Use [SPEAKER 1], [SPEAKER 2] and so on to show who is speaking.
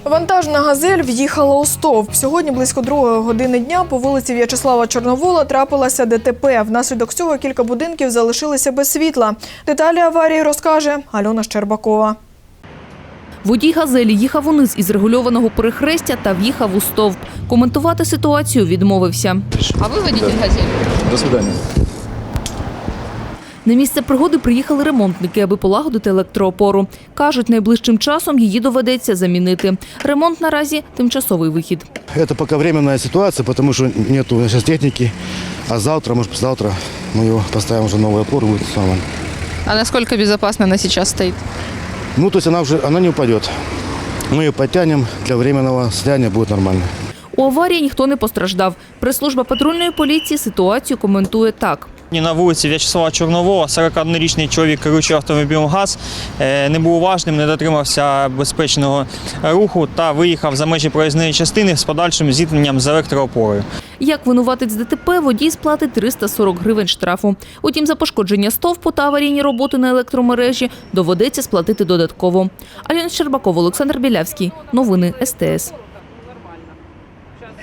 [SPEAKER 1] Вантажна «Газель» в'їхала у стовп. Сьогодні близько 2 години дня по вулиці В'ячеслава Чорновола трапилося ДТП. Внаслідок цього кілька будинків залишилися без світла. Деталі аварії розкаже Альона Щербакова.
[SPEAKER 2] Водій «Газелі» їхав униз із регульованого перехрестя та в'їхав у стовп. Коментувати ситуацію відмовився.
[SPEAKER 3] А ви водитель «Газелі»?
[SPEAKER 4] До свидання.
[SPEAKER 2] На місце пригоди приїхали ремонтники, аби полагодити електроопору. Кажуть, найближчим часом її доведеться замінити. Ремонт наразі – тимчасовий вихід.
[SPEAKER 5] Это пока временная ситуация, потому что нету сейчас техники. А завтра, может, послезавтра мы его поставим уже новую опору, будет нормально.
[SPEAKER 3] А насколько безопасно она сейчас стоит?
[SPEAKER 5] Ну, то есть она не упадет. Мы ее подтянем, для временного состояния будет нормально.
[SPEAKER 2] У аварії ніхто не постраждав. Прес-служба патрульної поліції ситуацію коментує так.
[SPEAKER 6] На вулиці В'ячеслава Чорновола 41-річний чоловік, керуючий автомобілем ГАЗ, не був уважним, не дотримався безпечного руху та виїхав за межі проїзної частини з подальшим зіткненням з електроопорою.
[SPEAKER 2] Як винуватець ДТП, водій сплатить 340 гривень штрафу. Утім, за пошкодження стовпу та аварійні роботи на електромережі доведеться сплатити додатково. Альона Щербакова, Олександр Білявський. Новини СТС.